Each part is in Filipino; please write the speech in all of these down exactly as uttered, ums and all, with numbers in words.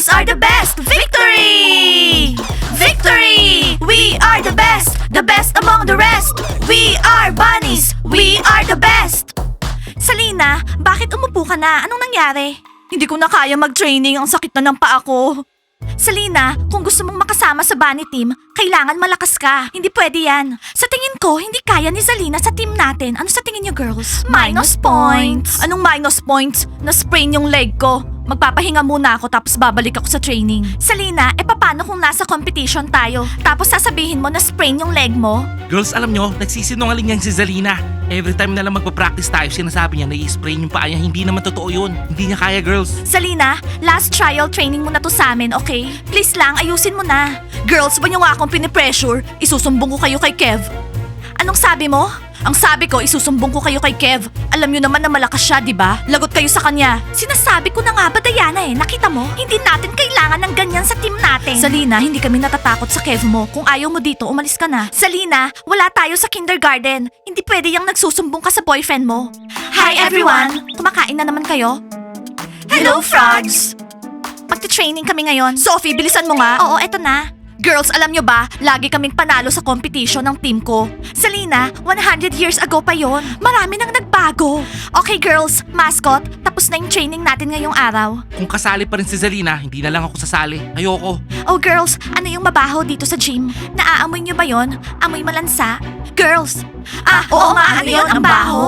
Bunnies are the best! Victory! Victory! We are the best! The best among the rest! We are bunnies! We are the best! Salina, bakit umupo ka na? Anong nangyari? Hindi ko na kaya mag-training. Ang sakit na ng paa ko. Salina, kung gusto mong makasama sa bunny team, kailangan malakas ka. Hindi pwede yan. Sa tingin ko, hindi kaya ni Zalina sa team natin. Ano sa tingin niyo, girls? Minus points. Anong minus points? Na-sprain yung leg ko. Magpapahinga muna ako tapos babalik ako sa training. Salina, e paano kung nasa competition tayo? Tapos sasabihin mo na sprain yung leg mo? Girls, alam nyo, nagsisinungaling yan si Zalina. Every time na lang magpa-practice tayo, sinasabi niya na i-sprain yung paa niya. Hindi naman totoo yun. Hindi niya kaya, girls. Salina, last trial training mo na to sa amin, okay? Please lang, ayusin mo na. Girls, ba niyo nga akong pinipressure? Isusumbong ko kayo kay Kev. Anong sabi mo? Ang sabi ko, isusumbong ko kayo kay Kev. Alam niyo naman na malakas siya, di ba? Lagot kayo sa kanya. Sinasabi ko na nga ba, Diana eh? Nakita mo? Hindi natin kailangan ng ganyan sa team natin. Salina, hindi kami natatakot sa Kev mo. Kung ayaw mo dito, umalis ka na. Salina, wala tayo sa kindergarten. Hindi pwede yung nagsusumbong ka sa boyfriend mo. Hi everyone! Kumakain na naman kayo? Hello, frogs! Magte-training kami ngayon. Sophie, bilisan mo nga. Oo, eto na. Girls, alam nyo ba, lagi kaming panalo sa competition ng team ko. Salina, one hundred years ago pa yon. Marami nang nagbago. Okay girls, mascot, tapos na yung training natin ngayong araw. Kung kasali pa rin si Zalina, hindi na lang ako sasali. Ayoko. Oh girls, ano yung mabaho dito sa gym? Naaamoy nyo ba yon? Amoy malansa? Girls! Ah, oo, nga, ano yun? Ang baho.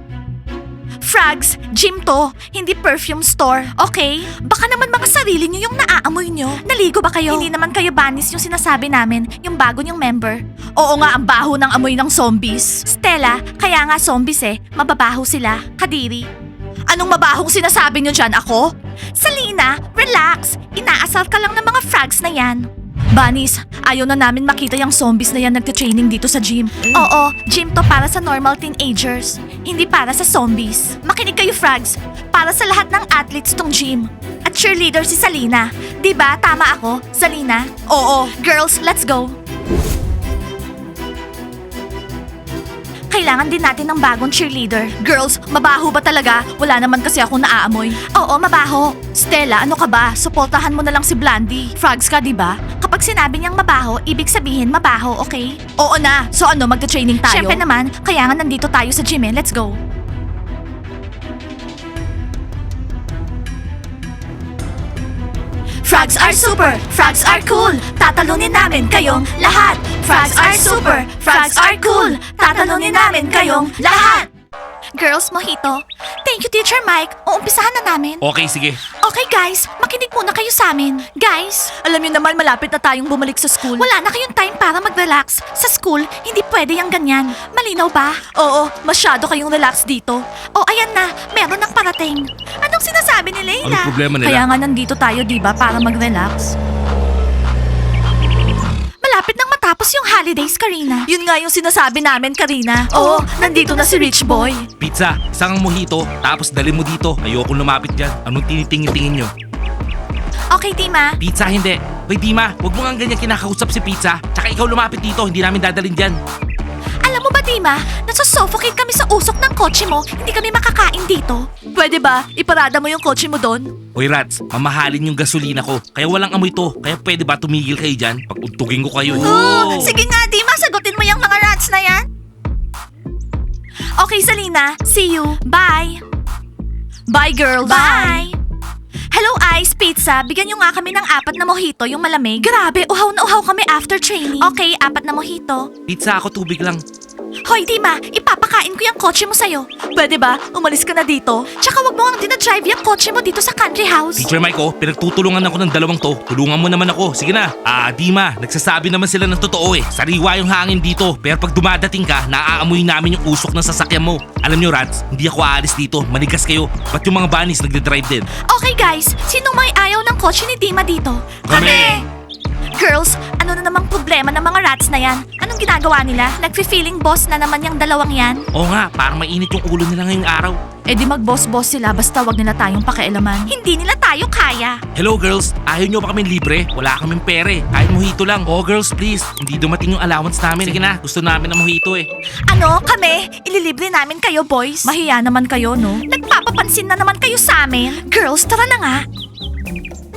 Frogs, gym to, hindi perfume store, okay? Baka naman mga sarili nyo yung naaamoy nyo. Naligo ba kayo? Hindi naman kayo banis yung sinasabi namin, yung bago nyong member. Oo nga, ang baho ng amoy ng zombies. Stella, kaya nga zombies eh, mababaho sila. Kadiri. Anong mabahong sinasabi nyo dyan, ako? Salina, relax. Inaasar ka lang ng mga frogs na yan. Bunnies, ayaw na namin makita yung zombies na yan nagte-training dito sa gym. Oo, gym to para sa normal teenagers, hindi para sa zombies. Makinig kayo, frogs. Para sa lahat ng athletes tong gym. At cheerleader si Salina. Diba, tama ako, Salina? Oo. Girls, let's go. Kailangan din natin ng bagong cheerleader. Girls, mabaho ba talaga? Wala naman kasi ako naaamoy. Oo, mabaho. Stella, ano ka ba? Suportahan mo na lang si Blandy. Frogs ka, di ba? Kapag sinabi niyang mabaho, ibig sabihin mabaho, okay? Oo na. So ano, magta-training tayo? Siyempre naman, kaya nga nandito tayo sa gym eh. Let's go. Frogs are super! Frogs are cool! Tatalunin namin kayong lahat! Frogs are super! Frogs are cool! Tatalunin namin kayong lahat! Girls, mojito. Thank you, Teacher Mike. Uumpisahan na namin. Okay, sige. Okay, guys. Makinig muna kayo sa amin. Guys, alam niyo naman malapit na tayong bumalik sa school. Wala na kayong time para mag-relax. Sa school, hindi pwede yung ganyan. Malinaw ba? Oo, masyado kayong relax dito. Oh, ayan na. Meron ng parating. Anong sinasabi ni Layla? Anong problema nila? Kaya nga nandito tayo, di ba, para mag-relax. Malapit nang matapos yung holidays, Karina. Yun nga yung sinasabi namin, Karina. Oo, nandito na si Rich Boy. Pizza, isang mojito, tapos dali mo dito. Ayoko lumapit dyan. Anong tinitingin-tingin nyo? Okay, Tima. Pizza, hindi. Hoy, Dima, huwag mo nga ganyan kinakausap si Pizza. Tsaka ikaw lumapit dito, hindi namin dadalhin dyan. Alam mo ba, Dima? Nasusuffocate kami sa usok ng kotse mo. Hindi kami makakain dito. Pwede ba? Iparada mo yung kotse mo doon? Hoy, Rats, mamahalin yung gasolina ko. Kaya walang amoy to. Kaya pwede ba tumigil kayo dyan? Pag untugin ko kayo. Oh, sige nga, Dima. Sagutin mo yung mga rats na yan. Okay, Salina. See you. Bye. Bye, girls. Bye. Hello, Ice Pizza. Bigyan nyo nga kami ng apat na mojito, yung malamig. Grabe, uhaw na uhaw kami after training. Okay, apat na mojito. Pizza, ako tubig lang. Hoy, Dima, ipapakain ko yung kotse mo sa'yo. Pwede ba? Umalis ka na dito. Tsaka wag mo ang dinadrive yung kotse mo dito sa country house. Teacher Mike, oh, pinagtutulungan ako ng dalawang to. Tulungan mo naman ako. Sige na. Ah, Dima, nagsasabi naman sila ng totoo eh. Sariwa yung hangin dito. Pero pag dumadating ka, naaamoy namin yung usok ng sasakyan mo. Alam nyo, Rats, hindi ako aalis dito. Manigas kayo. Ba't yung mga bunnies nagde-drive din? Okay guys, sino may ayaw ng kotse ni Dima dito? Kami! Girls, ano na namang problema ng mga rats na yan? Anong ginagawa nila? Nagfe-feeling boss na naman yung dalawang yan? Oo nga, parang mainit yung ulo nila ngayong araw. Eh di mag-boss-boss sila basta wag nila tayong pakialaman. Hindi nila tayo kaya. Hello girls, ayaw nyo ba kami libre? Wala kaming pere, kahit mojito lang. Oh girls, please, hindi dumating yung allowance namin. Sige na, gusto namin ng mojito eh. Ano, kami? Ililibre namin kayo, boys? Mahiya naman kayo, no? Nagpapapansin na naman kayo sa amin. Girls, tara na nga.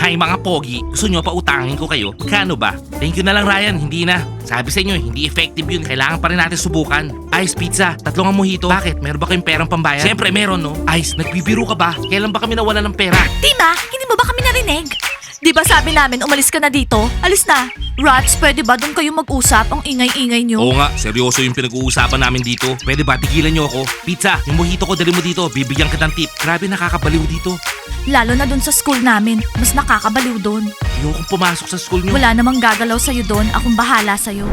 Hi mga pogi, gusto nyo pautangin ko kayo? Kano ba? Thank you na lang Ryan, hindi na. Sabi sa inyo, hindi effective yun. Kailangan pa rin natin subukan. Ice pizza, tatlong ang mojito. Bakit? Meron ba kayong perang pambayad? Siyempre meron no. Ice, nagbibiro ka ba? Kailan ba kami nawala ng pera? Tima, hindi mo ba kami narinig? Di ba sabi namin umalis ka na dito? Alis na. Rats, pwede ba doon kayo mag-usap? Ang ingay-ingay nyo. Oo nga, seryoso yung pinag-uusapan namin dito. Pwede ba tigilan nyo ako? Pizza, yung mojito ko dali mo dito. Bibigyan kita ng tip. Grabe nakakabaliw dito. Lalo na doon sa school namin. Mas nakakabaliw doon. Ayokong pumasok sa school nyo. Wala namang gagalaw sa'yo doon. Akong bahala sa'yo.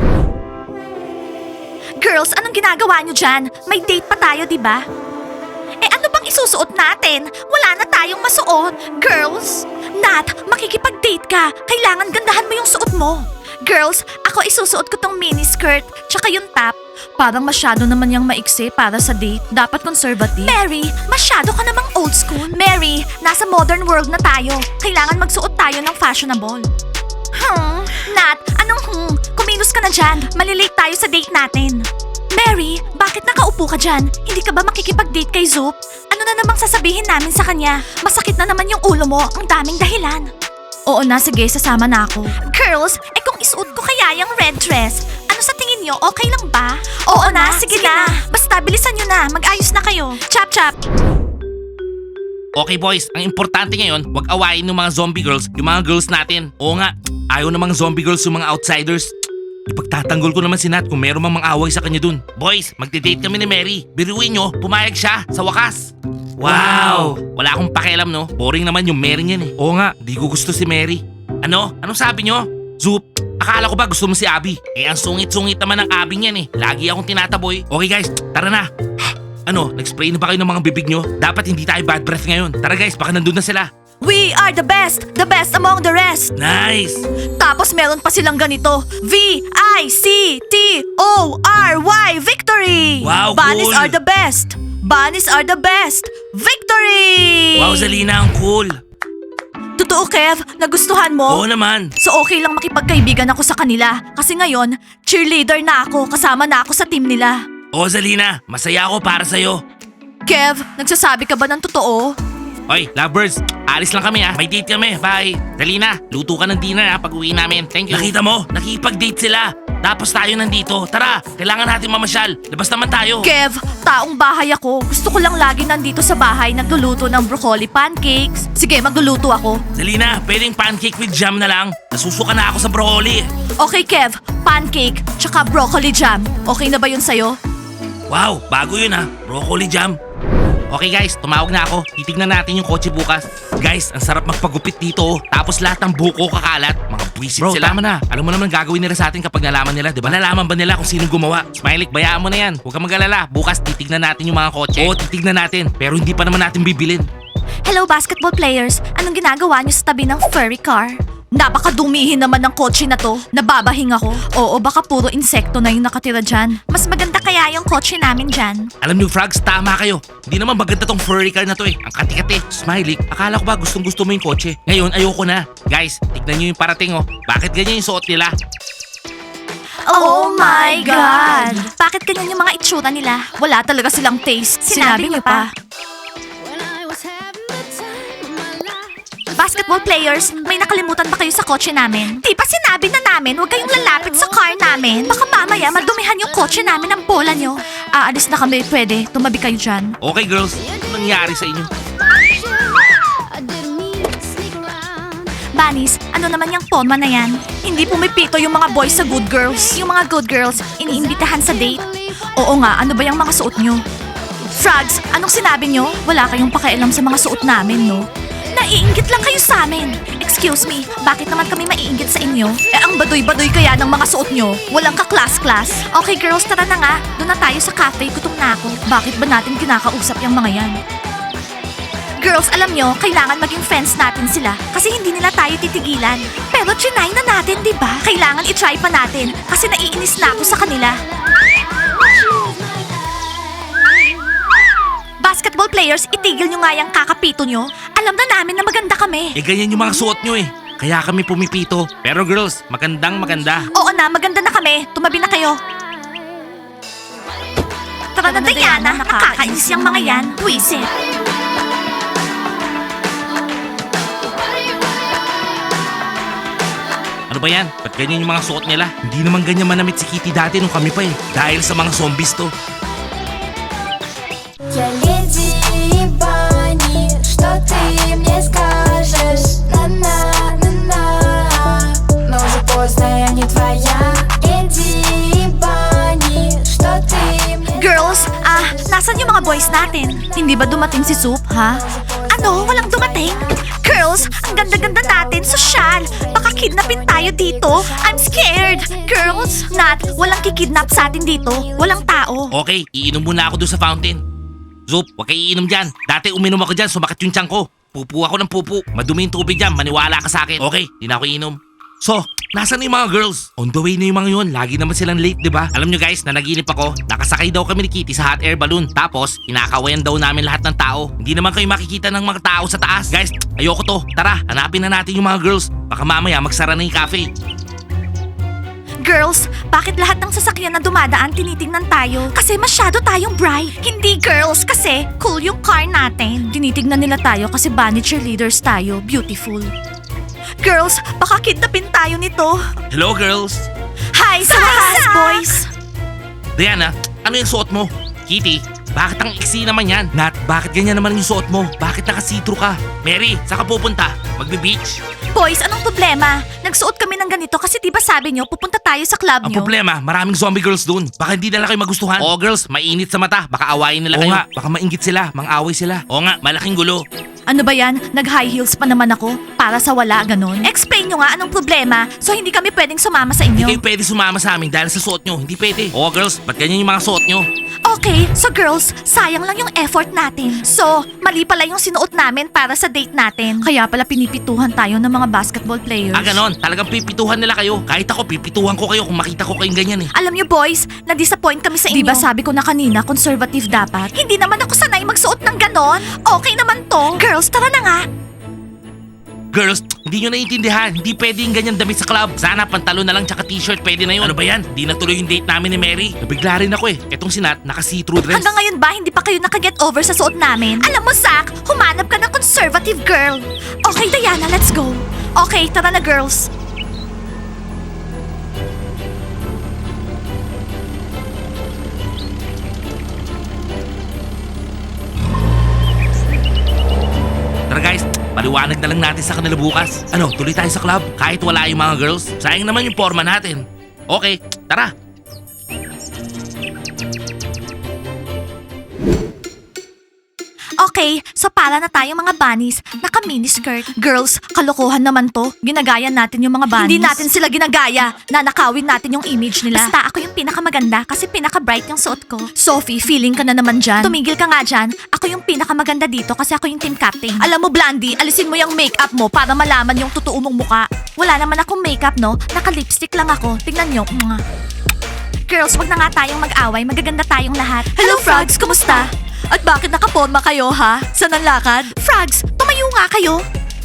Girls, anong ginagawa nyo dyan? May date pa tayo, di ba? Eh ano bang isusuot natin? Wala na tayong masuot. Girls, Nat, makikipag-date ka. Kailangan gandahan mo yung suot mo. Girls, ako isusuot ko tong mini skirt, tsaka yung top. Parang masyado naman yung maiksi para sa date. Dapat conservative. Mary, masyado ka namang old school. Mary, nasa modern world na tayo. Kailangan magsuot tayo ng fashionable. Hmm, Nat, anong hmm? Kumilos ka na dyan. Malilate tayo sa date natin. Mary, bakit nakaupo ka dyan? Hindi ka ba makikipag-date kay Zoop? Ano na namang sasabihin namin sa kanya? Masakit na naman yung ulo mo. Ang daming dahilan. Oo na, sige, sasama na ako. Girls, eh kung isuot ko kaya yung red dress, ano sa tingin nyo, okay lang ba? Oo, na, sige, na. Basta bilisan nyo na, mag-ayos na kayo. Chap chap. Okay boys, ang importante ngayon, wag awayin ng mga zombie girls, yung mga girls natin. Oo nga, ayaw ng mga zombie girls yung mga outsiders. Ipagtatanggol ko naman si Nat kung meron mang mang-away sa kanya dun. Boys, magde-date kami ni Mary. Biruin nyo, pumayag siya sa wakas. Wow! Wala akong pakialam no, boring naman yung Mary niyan eh. Oo nga, di ko gusto si Mary. Ano? Anong sabi nyo? Zoop, akala ko ba gusto mo si Abby? Eh ang sungit-sungit naman ng Abby niyan eh. Lagi akong tinataboy. Okay guys, tara na. Ano, nag-spray na ba kayo ng mga bibig nyo? Dapat hindi tayo bad breath ngayon. Tara guys, baka nandun na sila. We are the best, the best among the rest. Nice! Tapos meron pa silang ganito, V I C T O R Y, victory! Wow, Bunnies cool. are the best! Bunnies are the best! Victory! Wow, Zalina, ang cool. Totoo, Kev? Nagustuhan mo? Oo naman. So okay lang makipagkaibigan ako sa kanila. Kasi ngayon, cheerleader na ako, kasama na ako sa team nila. Oo, Zalina, masaya ako para sa'yo. Kev, nagsasabi ka ba ng totoo? Oy, lovebirds, alis lang kami ah. May date kami, bye. Zalina, luto ka ng dinner ah pag uwi namin. Thank you. Nakita mo, nakipag-date sila. Tapos tayo nandito. Tara, kailangan natin mamasyal. Labas naman tayo. Kev, taong bahay ako. Gusto ko lang lagi nandito sa bahay nagluluto ng broccoli pancakes. Sige, magluluto ako. Zalina, pwedeng pancake with jam na lang. Nasusuka na ako sa broccoli. Okay, Kev. Pancake, tsaka broccoli jam. Okay na ba yun sa'yo? Wow, bago yun ah. Broccoli jam. Okay guys, tumawag na ako. Titignan natin yung kotse bukas. Guys, ang sarap magpagupit dito. oh. Tapos lahat ng buko kakalat. Mga buwisit Bro, ah. sila. tama na. Alam mo naman gagawin nila sa atin kapag nalaman nila, di ba? Nalaman ba nila kung sinong gumawa? Smiley, bayaan mo na yan. Huwag kang mag-alala. Bukas titignan natin yung mga kotse. Oo, titignan natin. Pero hindi pa naman natin bibilin. Hello, basketball players. Anong ginagawa niyo sa tabi ng furry car? Napakadumihin naman ng kotse na to. Nababahing ako. Oo, baka puro insekto na yung nakatira dyan. Mas maganda kaya yung kotse namin dyan. Alam niyo, Frogs, tama kayo. Hindi naman maganda tong furry car na to eh. Ang kati-kati. Smiley, akala ko ba gustong gusto mo yung kotse? Ngayon, ayoko na. Guys, tignan niyo yung parating oh. Bakit ganyan yung suot nila? Oh my God! Bakit ganyan yung mga itsura nila? Wala talaga silang taste. Sinabi, niyo pa. Basketball players, may nakalimutan ba kayo sa kotse namin? Di ba sinabi na namin huwag kayong lalapit sa car namin? Baka mamaya madumihan yung kotse namin ng bola nyo. Aalis na kami, pwede. Tumabi kayo dyan. Okay girls, ano nangyari sa inyo? Bunnies, ano naman yung forma na yan? Hindi pumipito yung mga boys sa good girls. Yung mga good girls, iniimbitahan sa date. Oo nga, ano ba yung mga suot nyo? Frogs, anong sinabi nyo? Wala kayong pakialam sa mga suot namin, no? Naiinggit lang kayo sa amin. Excuse me, bakit naman kami maiinggit sa inyo? Eh ang badoy-badoy kaya ng mga suot nyo. Walang ka-class-class. Okay girls, tara na nga. Doon na tayo sa cafe, gutom na ako. Bakit ba natin kinakausap yung mga yan? Girls, alam nyo, kailangan maging friends natin sila kasi hindi nila tayo titigilan. Pero trinay na natin, di ba? Kailangan itry pa natin kasi naiinis na ako sa kanila. Basketball players, itigil nyo nga yung kakapito nyo. Alam na namin na maganda kami. Eh ganyan yung mga suot nyo eh. Kaya kami pumipito. Pero girls, magandang maganda. Oo na, maganda na kami. Tumabi na kayo. Tara na, Diana. Nakakainis yung mga yan. Wisit. Ano ba yan? Ba't ganyan yung mga suot nila? Hindi naman ganyan manamit si Kitty dati nung kami pa eh. Dahil sa mga zombies to. Я леди Банни, что ты мне скажешь? На-на-на-на. Но уже поздно, я не твоя. Леди Банни, что ты мне Girls, ah, nasan yung mga boys natin? Hindi ba dumating si Soup, ha? Ano? Walang dumating? Girls, ang ganda-ganda natin, sosyal. Baka kidnapin tayo dito. I'm scared. Girls, Nat, walang kikidnap sa atin dito. Walang tao. Okay, iinom muna ako doon sa fountain. Zup, huwag kayo iinom dyan. Dati uminom ako dyan, sumakit yung tiyan ko. Pupu ako ng pupu. Madumi yung tubig dyan, maniwala ka sa akin. Okay, di na ako iinom. So, nasan na yung mga girls? On the way na yung mga yun. Lagi naman silang late, di ba? Alam nyo guys, nanaginip ako. Nakasakay daw kami ni Kitty sa hot air balloon. Tapos, kinakawayan daw namin lahat ng tao. Hindi naman kayo makikita ng mga tao sa taas. Guys, ayoko to. Tara, hanapin na natin yung mga girls. Baka mamaya magsara na yung cafe. Girls, bakit lahat ng sasakyan na dumadaan tinitingnan tayo? Kasi masyado tayong bright. Hindi girls, kasi cool yung car natin. Tinitingnan nila tayo kasi bunny cheerleaders tayo. Beautiful. Girls, baka kidnapin tayo nito. Hello girls. Hi, sa wakas, boys. Diana, ano yung suot mo? Kitty, bakit ang iksi naman yan? Nat, bakit ganyan naman yung suot mo? Bakit naka-see-through ka? Mary, saan ka pupunta? Magbe-beach? Boys, anong problema? Nagsuot kami ng ganito kasi di ba sabi nyo, pupunta tayo sa club Ang nyo? problema, maraming zombie girls dun. Baka hindi nila kayo magustuhan. Oo girls, mainit sa mata. Baka awayin nila Oo kayo. nga, baka maingit sila, mang-away sila. Oo nga, malaking gulo. Ano ba yan? Nag-high heels pa naman ako para sa wala, ganon? Explain nyo nga anong problema so hindi kami pwedeng sumama sa Hindi inyo. kayo pwede sumama sa amin dahil sa suot nyo. Hindi pwede. Oo girls, ba't ganyan yung mga suot nyo? Okay, so girls, sayang lang yung effort natin. So, mali pala yung sinuot namin para sa date natin. Kaya pala pinipituhan tayo ng mga basketball players. Ah ganon, talagang pipituhan nila kayo. Kahit ako, pipituhan ko kayo kung makita ko kayong ganyan eh. Alam nyo boys, na-disappoint kami sa inyo. Diba sabi ko na kanina, conservative dapat? Hindi naman ako sanay magsuot ng ganon. Okay naman to. Girls, tara na nga. Girls, hindi nyo naiintindihan. Hindi pwede yung ganyan damit sa club. Sana pantalon na lang tsaka t-shirt pwede na yun. Ano ba yan? Hindi natuloy yung date namin ni Mary. Nabigla rin ako eh. Etong si Nat, naka-see-through dress. Hanggang ngayon ba, hindi pa kayo nakaget over sa suot namin? Alam mo, Zach, humanap ka ng conservative girl. Okay, Diana, let's go. Okay, tara na, girls. Tara guys, paliwanag na lang natin sa kanila bukas. Ano, tuloy tayo sa club kahit wala yung mga girls. Sayang naman yung forma natin. Okay, tara. Okay, so para na tayo mga bunnies, naka-miniskirt. Girls, kalokohan naman to. Ginagaya natin yung mga bunnies. Hindi natin sila ginagaya. Nanakawin natin yung image nila. Basta ako yung pinakamaganda kasi pinaka-bright yung suot ko. Sophie, feeling ka na naman dyan. Tumigil ka nga dyan. Ako yung pinakamaganda dito kasi ako yung team captain. Alam mo, Blandy, alisin mo yung makeup mo para malaman yung totoo mong muka. Wala naman akong makeup, no? Naka-lipstick lang ako. Tingnan nyo. Mwah. Girls, wag na nga tayong mag-away. Magaganda tayong lahat. Hello, Frogs! Kumusta? At bakit nakaporma kayo, ha? Saan ang lakad? Frogs, tumayo nga kayo.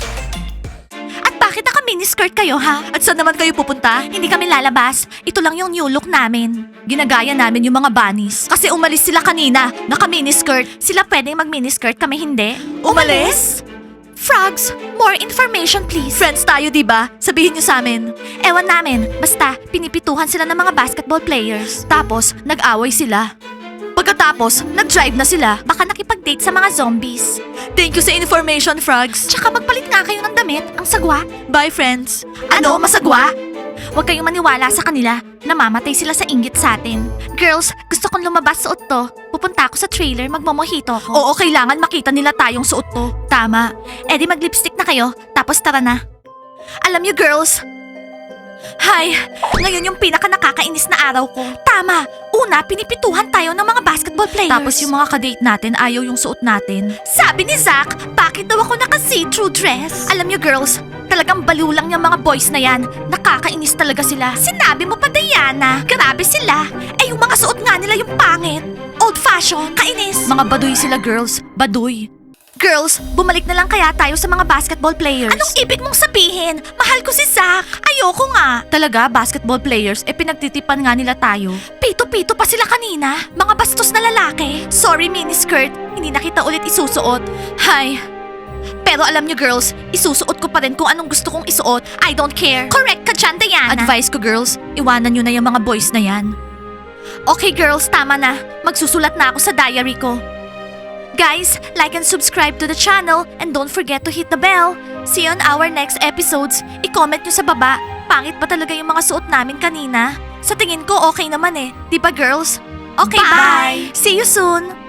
At bakit naka-miniskirt kayo, ha? At saan naman kayo pupunta? Hindi kami lalabas. Ito lang yung new look namin. Ginagaya namin yung mga bunnies. Kasi umalis sila kanina. Naka-miniskirt. Sila pwedeng mag-miniskirt, kami hindi. Umalis? Frogs, more information please. Friends tayo, di ba? Sabihin niyo sa amin. Ewan namin. Basta, pinipituhan sila ng mga basketball players. Tapos, nag-away sila. Pagkatapos, nag-drive na sila. Baka nakipag-date sa mga zombies. Thank you sa information, Frogs. Tsaka magpalit nga kayo ng damit. Ang sagwa. Bye, friends. Ano? Masagwa? Huwag kayong maniwala sa kanila. Namamatay sila sa inggit sa atin. Girls, gusto kong lumabas suot to. Pupunta ako sa trailer, magmomojito ako. Oo, kailangan makita nila tayong suot to. Tama. Eh di mag-lipstick na kayo, tapos tara na. Alam niyo, girls, Hay, ngayon yung pinaka nakakainis na araw ko. Tama, una pinipituhan tayo ng mga basketball players. Tapos yung mga kadate natin ayaw yung suot natin. Sabi ni Zach, bakit daw ako naka-see-through dress? Alam niyo girls, talagang baliw lang yung mga boys na yan. Nakakainis talaga sila. Sinabi mo pa Diana, grabe sila. Eh yung mga suot nga nila yung pangit. Old fashion, kainis. Mga baduy sila girls, baduy. Girls, bumalik na lang kaya tayo sa mga basketball players. Anong ibig mong sabihin? Mahal ko si Zach. Ayoko nga. Talaga, basketball players, eh pinagtitipan nga nila tayo. Pito-pito pa sila kanina. Mga bastos na lalaki. Sorry, miniskirt. Hindi na kita ulit isusuot. Hay. Pero Pero alam nyo girls, isusuot ko pa rin kung anong gusto kong isuot. I don't care. Correct ka dyan, Diana. Advice ko girls, iwanan nyo na yung mga boys na yan. Okay girls, tama na. Magsusulat na ako sa diary ko. Guys, like and subscribe to the channel and don't forget to hit the bell. See you on our next episodes. I-comment nyo sa baba. Pangit ba talaga yung mga suot namin kanina? Sa tingin ko okay naman eh. Di ba girls? Okay, bye! See you soon!